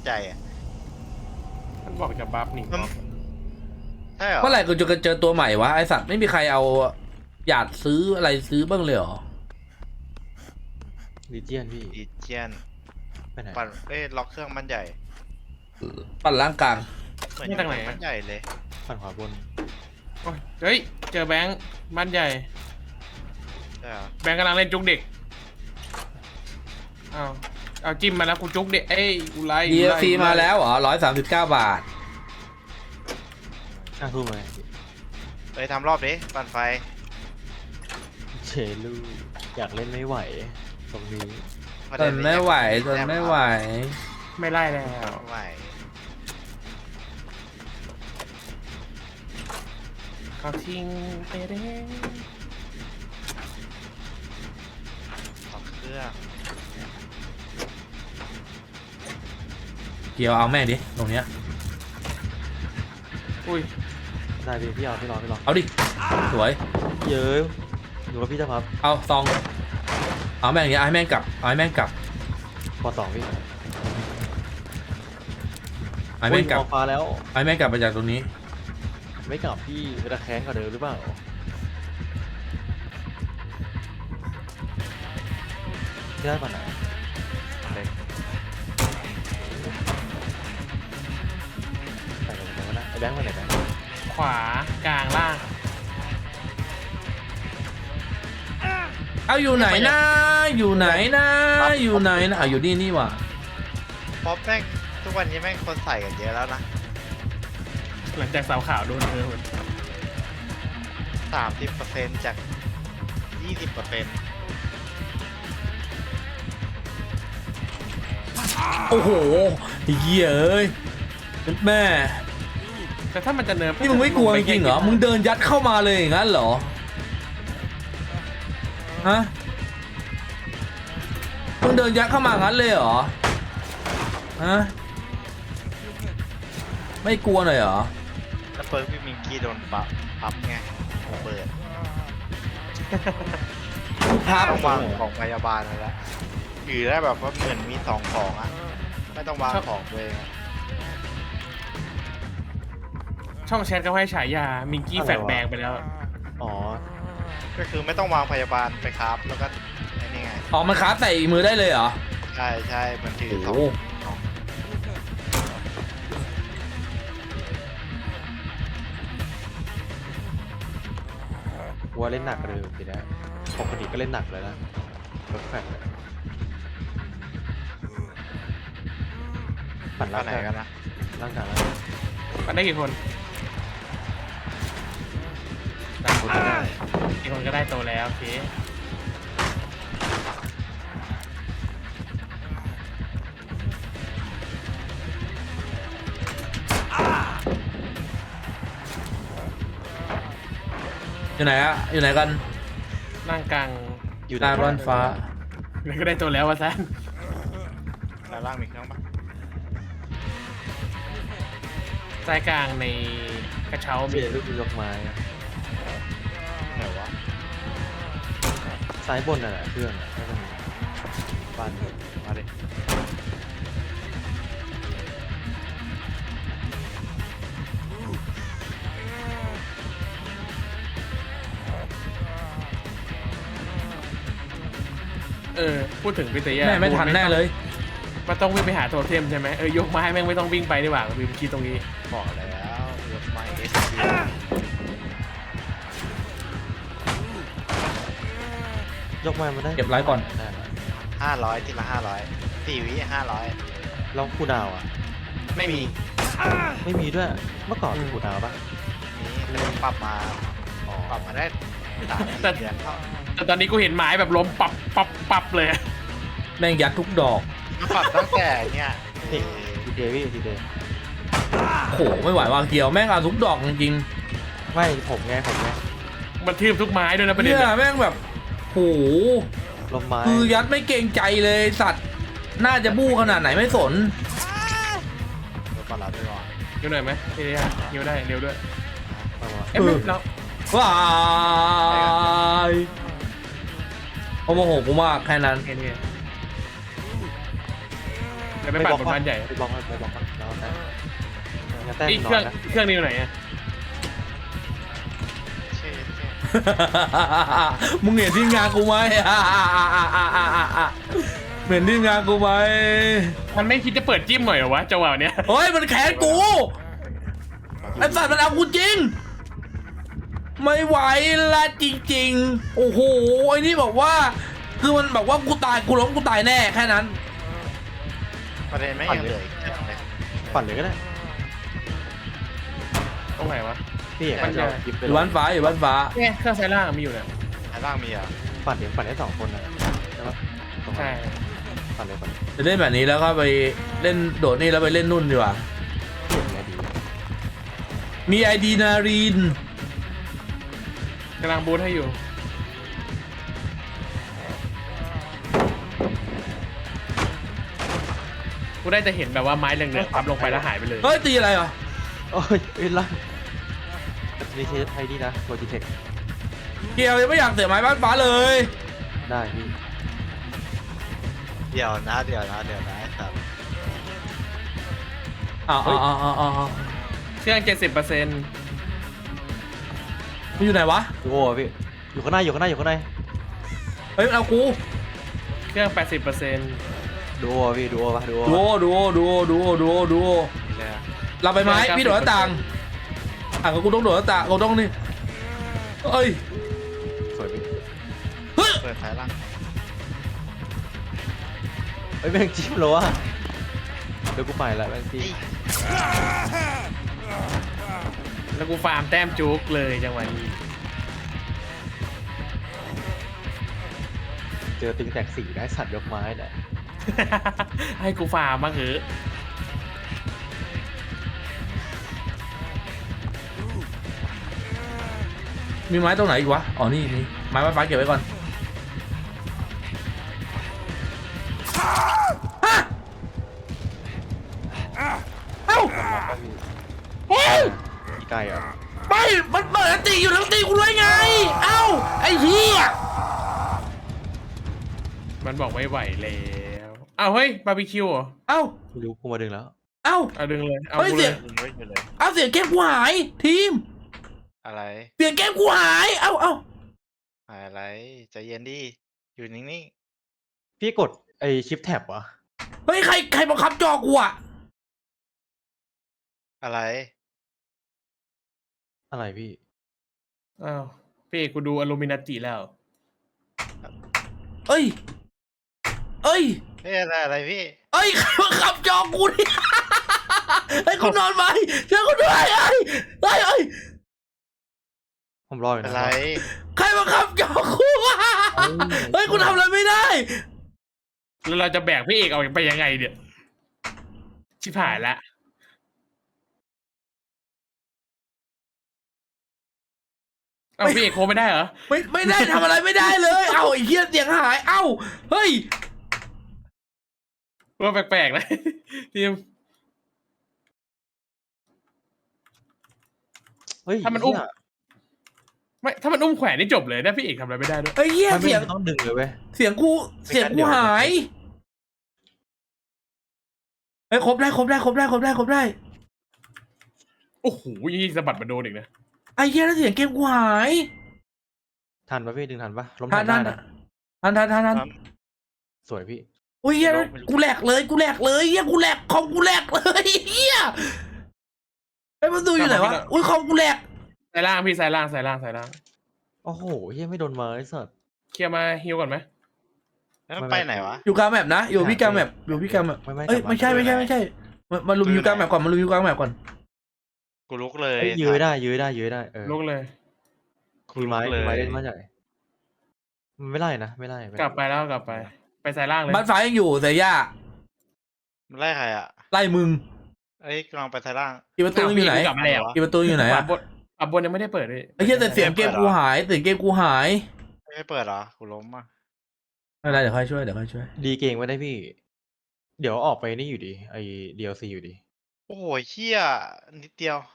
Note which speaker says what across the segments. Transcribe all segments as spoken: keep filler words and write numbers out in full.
Speaker 1: ใจอ่ะ
Speaker 2: มันบอกจะบัฟนี่
Speaker 1: ใช่เหรอ
Speaker 3: เมื่อไหร่กูจะเจอตัวใหม่วะไอสัตว์ไม่มีใครเอาหยาดซื้ออะไรซื้อบ้างเลยเหรอ
Speaker 4: ลีเจียนพี่
Speaker 1: ดีเจียน
Speaker 4: ไปไหน
Speaker 1: ปั่นเอ้ยล็อกเครื่องมันใหญ่
Speaker 3: ปั่นล่างกลาง
Speaker 1: เหมือนอยู่มันใหญ่เลย
Speaker 4: ฝั่งขวาบน
Speaker 2: โอ้ยเฮ้ยเจอแบงค์บ้านใหญ่
Speaker 1: ใช่เหรอ
Speaker 2: แบงค์กำลังเล่นจุกเด็กอ้าวเอาจิ้มมาแล้วกูจุกเด็กเอ้ยกูไล่
Speaker 3: ดี
Speaker 2: กู
Speaker 3: เอ
Speaker 2: ไล่
Speaker 3: ซีมาแล้วเหรอร้อยสามสิบเก้าบาท
Speaker 4: ข้างทุ่มเลย
Speaker 1: ไปทำรอบดิปั่นไฟ
Speaker 4: เชลูอยากเล่นไม่ไหวตรงนี้
Speaker 3: ทนไม่ไหวทนไม่ไหว
Speaker 2: ไม่ไล่แล้ว
Speaker 1: ไม่ไหว
Speaker 2: เขาทิ้งไปเด้
Speaker 1: ล็อกเครื่อง
Speaker 3: เกี่ยวเอาแม่งดิตรงเนี้ย
Speaker 2: อุ้ย
Speaker 4: ได้พี่พี่เอาพี่รอพี่รอ
Speaker 3: เอาดิสวย
Speaker 4: เยอะหนูกับพี่จะพับ
Speaker 3: เอาซองเอาแม่งอย่างเงี้ยเอาให้แม่งกลับเอาให้แม่งกลับ
Speaker 4: ปอสองพี่
Speaker 3: เอาให้แม่งกลับ
Speaker 4: โอ้ยมองฟ้าแล้ว
Speaker 3: เอาให้แม่งกลับมาจากตรงนี้
Speaker 4: ไม่กลับพี่จะแค้นกว่าเดิมหรือเปล่าพี่ได้ป่ะไหนเล็กใส่ลงไปแล้วนะไอ้แบงค์มาไหนแบงค์
Speaker 2: ขวากลางล่าง
Speaker 3: เอาอยู่ไหนนะอยู่ไหนนะอยู่ไหนนะเอาอยู่นี่นี่หว่า
Speaker 1: ป๊อปแม่งทุกวันนี้แม่งคนใส่กันเยอะแล้วนะ
Speaker 2: หลังจากสาวขาวโดนเธอหมด
Speaker 1: สามสิบเปอร์เซ็นต์จากยี่สิบเปอร์เซ็นต์
Speaker 3: โอ้โหเหี้ยเอ้ยแม่
Speaker 2: แต่ถ้ามันจะเนิร์ฟ
Speaker 3: นี่มึงไม่กลัวจริงเหรอมึงเดินยัดเข้ามาเลยอย่างนั้นเหรอฮะมึงเดินยัดเข้ามางั้นเลยเหรอฮะไม่กลัวหน่อยเหรอ
Speaker 1: แล้วเปิร์กพี่มิงกี้โดนปั๊บปั๊บไงเปิด
Speaker 3: พัก
Speaker 1: ต้องวางของพยาบาลแล้วอยู่ได้แบบว่าเหมือนมีสองของอ่ะไม่ต้องวางของตัวเองอะ
Speaker 2: ช่องแชทก็ให้ฉายามิงกี้แฟดแบงไปแล้ว
Speaker 4: อ๋อ
Speaker 1: ก็คือไม่ต้องวางพยาบาลไปครับแล้วก็ไอ้นี่ไง
Speaker 3: ออกมันคราฟใส่มือได้เลยเหรอ
Speaker 1: ใช่ใช่มันถือ
Speaker 3: โอ้
Speaker 1: สอง
Speaker 3: โห
Speaker 4: วัวเล่นหนักกว่าเดิมทีนะปกติก็เล่นหนักเลยนะรถแฟนปั่น
Speaker 1: ร้า
Speaker 4: ร่าน ง
Speaker 1: ไหน
Speaker 4: กาย
Speaker 1: กันนะ
Speaker 4: ร่างกายแล้ว
Speaker 2: มันได้กี่คน
Speaker 4: ต่างคนก็ได้
Speaker 2: กี่คนก็ได้โตแล้วโอเค
Speaker 3: อยู่ไหนอะอยู่ไหนกัน
Speaker 2: นั่งกลาง
Speaker 4: อยู่
Speaker 3: ตาบ้านฟ้า
Speaker 2: แล้วก็ได้โตแล้ววะซัน
Speaker 1: ด้านล่างมีเครื่องปะ
Speaker 2: สายกลางในกระเช้า
Speaker 4: เบี
Speaker 2: มี
Speaker 4: ยร์ลูกยกไม้อะ
Speaker 1: ไหนวะ
Speaker 4: ซ้ายบนน่ะแหละเครื่องอะน่าจะมีบ้านอยู่
Speaker 1: มาดิ
Speaker 2: เออพูดถึงพิเตยา
Speaker 3: แม่ไม่ทันแน่เลย
Speaker 2: มันต้องวิ่งไปหาโทเทมใช่ไหมเออยกไม้แม่งไม่ต้องวิ่งไปดีกว่าวิมคิดตรงนี้
Speaker 1: บอกแล้วยกไม้เอสพี
Speaker 4: ยกไม้มาได้
Speaker 3: เก็บไลฟ์ก่อน
Speaker 4: ได้ละ
Speaker 1: ห้าร้อยทีละห้าร้อยสี่วิห้าร้อย
Speaker 4: แล้วคูดาวอ่ะ
Speaker 1: ไม่มี
Speaker 4: ไม่มีด้วย เมื่อก่อนมีคูดาวปะ
Speaker 1: นี่แต่ปรับมาปรับมาได้สามสี่เดือนเท่า
Speaker 2: แต่ตอนนี้กูเห็นไม้แบบล้มปับปับปับเลย
Speaker 3: แม่งยัดทุกดอก
Speaker 1: ปรับตั้งแต่เนี่ย
Speaker 4: ทีเดวี่ทีเด
Speaker 3: โหไม่ไหววางเกี่ยวแม่งเอาทุกดอกจริง
Speaker 4: ไม่ผมไงผมไง
Speaker 2: มันทืบทุกไม้ด้วยนะ
Speaker 3: ๆ
Speaker 2: ประเด็น
Speaker 3: เนี่ย
Speaker 2: อะ
Speaker 3: แม่งแบบโห
Speaker 4: ลมไม้
Speaker 3: คือยัดไม่เกรงใจเลยสัตว์น่าจะบู้ขนาดไหนไม่สน
Speaker 1: เดี๋ยวก่อนเราด้วยก่อน
Speaker 2: เร็วหน่อยไหมพิเตยาเร็วได้เร็วด้วย
Speaker 4: เอาวะ
Speaker 2: เอ้ยไม่เรา
Speaker 3: ว้ายโอ้โมโหกูมากแค่นั้น
Speaker 2: เอ็นเอจะไม่ปั่นบนบ้านใหญ่
Speaker 4: ไปบล็อกไปบล็อกมันแล้วแต่งั้นแต้ม
Speaker 2: นี่
Speaker 4: น
Speaker 2: เค
Speaker 4: อ
Speaker 2: รื่อน ง
Speaker 4: นะ
Speaker 2: เครื่องนี้อยู่ไหนอะ
Speaker 1: เช่เช่
Speaker 3: มึงเห็นที่งานกูไหมเห็นที่งานกูไหม
Speaker 2: มันไม่คิดจะเปิดจิ้มหน่อยเหรอวะจังหวะเนี้ย
Speaker 3: เฮ้ยมันแขนกูไอ้สัตว์มันเอากูจริงไม่ไหวละจริงๆโอ้โหไอ้นี่บอกว่าคือมันแบบว่ากูตายกูล้มกูตายแน่แค่นั้น
Speaker 1: ประเด็นไม่ยังเหลืออีกเยอะเลย
Speaker 4: ปั่นเลยก็ได้
Speaker 2: ตรงไหนวะ
Speaker 4: พี่เอก
Speaker 2: ปั่น
Speaker 4: จะ
Speaker 2: ใหญ่
Speaker 4: เอาคลิปไป
Speaker 3: อ
Speaker 4: ล
Speaker 3: ยู่
Speaker 4: ง
Speaker 3: บ้านฟ้าอยู่บ้านฟ้า
Speaker 2: เนี่ยเครื่องไซล่างมีอยู่เนี่ย
Speaker 1: อันล่างมีอ่ะ
Speaker 4: ปั่นเดี๋ยวปั่นได้สองคนนะใช่ปะ
Speaker 2: ใช่
Speaker 4: ปั่นเลยปั่นเลย
Speaker 3: จะเล่นแบบนี้แล้วก็ไปเล่นโดดนี่แล้วไปเล่นนุ่นดีกว่า
Speaker 4: เก่งไงดี
Speaker 3: มีไอดีนารีน
Speaker 2: กำลังบูทให้อยู่กูได้จะเห็นแบบว่าไม้เหลืองๆปั๊บลงไปแล้วหายไปเลย
Speaker 3: เฮ้ยตีอะไรวะ
Speaker 4: โอ้ยเอ้ยล่างนี่ใช้ไทยดีนะโลจิเทค
Speaker 3: เกียวยังไม่อยากเสียไม้บ้านฟ้าเลย
Speaker 4: ได้พี่
Speaker 1: เดี๋ยวนะเดี๋ยวนะเดี๋ยวนะครับ
Speaker 3: อ้าวอ้าวอ้าวอ้าวอ้าว
Speaker 2: เครื่องเจ็ดสิบเปอร์เซ็นต์
Speaker 3: มันอยู่ไหนวะ
Speaker 4: ดูโอ้พี่อยู่ข้างหน้าอยู่ข้างหน้าอยู่ข้างใน
Speaker 3: เฮ้ยมันเอากู
Speaker 2: เครื่องแปดสิบเปอร์เซ็นต์
Speaker 4: ดูโอ้พี่ดูโอ้ปะดูโอ้
Speaker 3: ดูโอดูโอดูโอดูโอดูโอดูโอ
Speaker 1: เลยอะ
Speaker 3: เราไปไหมพี่โดดหน้าต่างอ่ะก็กูต้องโดดหน้าต่างกูต้องนี่เอ้ย
Speaker 4: สวยพี่
Speaker 3: เฮ้ย
Speaker 1: เปิดสายล่าง
Speaker 4: เฮ้ยแม่งจิ้มเลยวะเดี๋ยวกูไปละแม่งจิ้ม
Speaker 2: แล้วกูฟาร์มแต้มจุกเลยจังหวะนี้
Speaker 4: เจอตึงแตกสี่ได้สัตว์ยกไม้เนี่ย
Speaker 2: ให้กูฟาร์มบ้างเหอะ
Speaker 3: มีไม้ตรงไหนอีกวะอ๋อนี่นี่ไม้บ้านฟ้าเก็บไว้ก่อนฮะเอ้าเฮ้ย
Speaker 4: พี่ไก่เหรอ
Speaker 3: ไม่มันเปิดอันตีอยู่แล้วตีกูด้วยไงเอ้าไอ้เหี้ย
Speaker 2: มันบอกไม่ไหวแล้วเอาเฮ้ยบาร์บีคิวเหรอ
Speaker 3: เอ้า
Speaker 4: ไม่รู้กูมาดึงแล้ว
Speaker 3: เอ้า
Speaker 2: เอาดึงเลยเอา
Speaker 3: เฮ้ย
Speaker 2: กู
Speaker 3: เสี
Speaker 2: เลย ย
Speaker 1: ยิงไว้อยู่เลย
Speaker 3: เอาเสียงเกมกูหายทีม
Speaker 1: อะไร
Speaker 3: เสียงเกมกูหายเอ้าเอ้า
Speaker 1: อะไรใจเย็นดิอยู่นิ่ง
Speaker 4: พี่กดไอชิปแท็บวะ
Speaker 3: เฮ้ยใครใครบังคับจอกูอะ
Speaker 1: ๆอะไร
Speaker 4: อะไรพี่
Speaker 2: อ้าวพี่เอกกูดูอลูมินาติแล้ว
Speaker 3: เอ้ยเอ้ย
Speaker 1: เฮ้ยอะไรอะไรพี่
Speaker 3: เอ้ยใครบังคับจอกูเนี่ยไอ้ยกูนอนไปช่วยกูด้วยไอ้ไอ้ไอ้ย
Speaker 4: ผมรออยู่
Speaker 1: อะ
Speaker 4: นะ
Speaker 1: ไร
Speaker 3: ใครบังคับจอกูวะเฮ้ยกูทำอะไรไม่ได้
Speaker 2: แล้วเราจะแบกพี่เอกออกไปยังไงเนี่ยชิบหายละเอาพี่เอกโคไม่ได้เหรอ
Speaker 3: ไม่ไม่ได้ทำอะไรไม่ได้เลย เอ้าไอ้เหี้ยเสียงหายเอ้าเฮ้ย
Speaker 2: ว่าแปลกๆนะทีม
Speaker 4: เฮ้ย
Speaker 2: ถ้ามันอุ้ม
Speaker 4: เหี้ย
Speaker 2: ไม่ถ้ามันอุ้มแขวนนี่จบเลยนะพี่เอกทำอะไรไม่ได้ด้วย
Speaker 3: ไอ้เหี้ย
Speaker 4: มันไม่
Speaker 3: เสียง
Speaker 4: ต้องดึงเลยเว้ย
Speaker 3: เสียงกูเสียงกูหายเฮ้ยครบได้ครบได้ครบได้ครบได้ครบได้
Speaker 2: โอ้โหยี่สะบัดมาโดนอีกนะ
Speaker 3: ไอ้เหี้ยแล้วเสียงเกมกูหาย
Speaker 4: ทันปะพี่ดึงทันปะล้ม
Speaker 3: ทั
Speaker 4: ทั
Speaker 3: น
Speaker 4: น
Speaker 3: ทั
Speaker 4: ได้
Speaker 3: น
Speaker 4: นะ
Speaker 3: ทันทันทันทัน
Speaker 4: สวยพี่
Speaker 3: อุ้ยเหี้ยกูแหลกเลยกูแหลกเลยเหี้ยกูแหลกคอมกูแหลกเลยเหี้ยไอ้มันดูอยู่ไหนวะอุ้ยคอมกูแหลก
Speaker 2: สายล่างพี่สายล่างสายล่างสายล่าง
Speaker 4: โอ้โหเฮียไม่โดนมาไอ้สัตว์
Speaker 2: เคลียร์มาฮิวก่อนไหม
Speaker 1: แล้วมันไปไหนวะ
Speaker 3: อยู่กลางแมปนะอยู่พี่กลางแมปอยู่พี่กลางแมป
Speaker 4: ไม่ไม่
Speaker 3: เอ้ย
Speaker 4: กลับา
Speaker 3: ไม่ใช่ไม่ใช่ไม่ใช่มามาลุมอยู่กลางแมปก่อนมาลุมอยู่กลางแมปก่อน
Speaker 1: กูลุกเลย
Speaker 4: เอ้ยยื้อได้ยื้อได้ยื้อได้เออ
Speaker 2: ลุกเลย
Speaker 1: กู
Speaker 4: มี
Speaker 1: ลุ
Speaker 4: ไม้
Speaker 1: กเล
Speaker 4: มีไม้
Speaker 1: ย
Speaker 4: เล่นไม้ใหญ่มันไม่ไล่นะไม่ไล่ไม่ไล่
Speaker 2: กลับไปแล้วกลับไป ไปสายล่างเลย
Speaker 3: บ้านฟ้ายังอยู่แต่ย่า
Speaker 1: มันไล่ใครอ่ะ
Speaker 3: ไล่มึง
Speaker 1: เอ้ยกำลังไปท้ายล่าง
Speaker 3: อีประตูอยู่ไหน
Speaker 2: กลับมาแล้ว
Speaker 3: อีประตูอยู่ไหน
Speaker 2: ขวา
Speaker 3: อะ
Speaker 2: บนขวาบนยังไม่ได้เปิดเลย
Speaker 3: ไอ้เหี้ยแต่เสียงเกมกูหายเสียงเกมกูหาย
Speaker 1: ไม่เปิดเหรอกูล้มอ่ะ
Speaker 3: ไม่เป็นไรเดี๋ยวค่อยช่วยเดี๋ยวค่อยช่วย
Speaker 4: ดีเก่งไว้ได้พี่ เดี๋ยวออกไปนี่อยู่ดีไอ้ ดี แอล ซี อยู่ดี
Speaker 1: โอ้โหเฮียนิดเดียว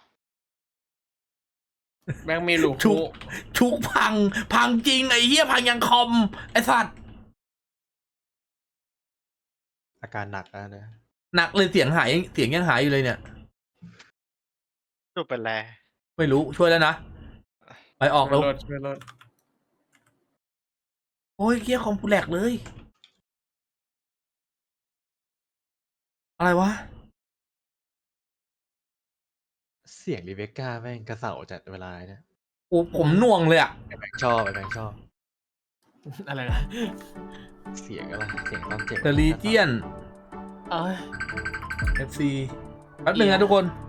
Speaker 2: แม่งมีลูก
Speaker 3: ชุกชุกพัง พังจริงไอ้เหี้ยพังยังคอมไอ้สัตว์
Speaker 4: อาการหนักแล้วนะ
Speaker 3: หนักเลยเสียงหายเสียงยังหายอยู่เลยเนี่ย
Speaker 1: ดูเป็นไร
Speaker 3: ไม่รู้ช่วยแล้วนะไปออกแล้ว
Speaker 2: ช่วยรถช่วยรถ
Speaker 3: โอ้ยเกียร์คอมกูแหลกเลย อะไรวะ
Speaker 4: เสียงรีเบคก้าแม่งกระเสาจัดเวลาเนี่ย
Speaker 3: โอ้ผมหน่วงเลยอะ
Speaker 4: ไอ้แบงค์ชอบไอ้แบงค์ชอบ
Speaker 2: อะไรนะ
Speaker 4: เสียงอะไรเสียงตอนเจ็บ
Speaker 3: เดอะลีเจียน
Speaker 2: เอ้ย
Speaker 3: เอฟซีแป๊บหนึ่งนะทุกคน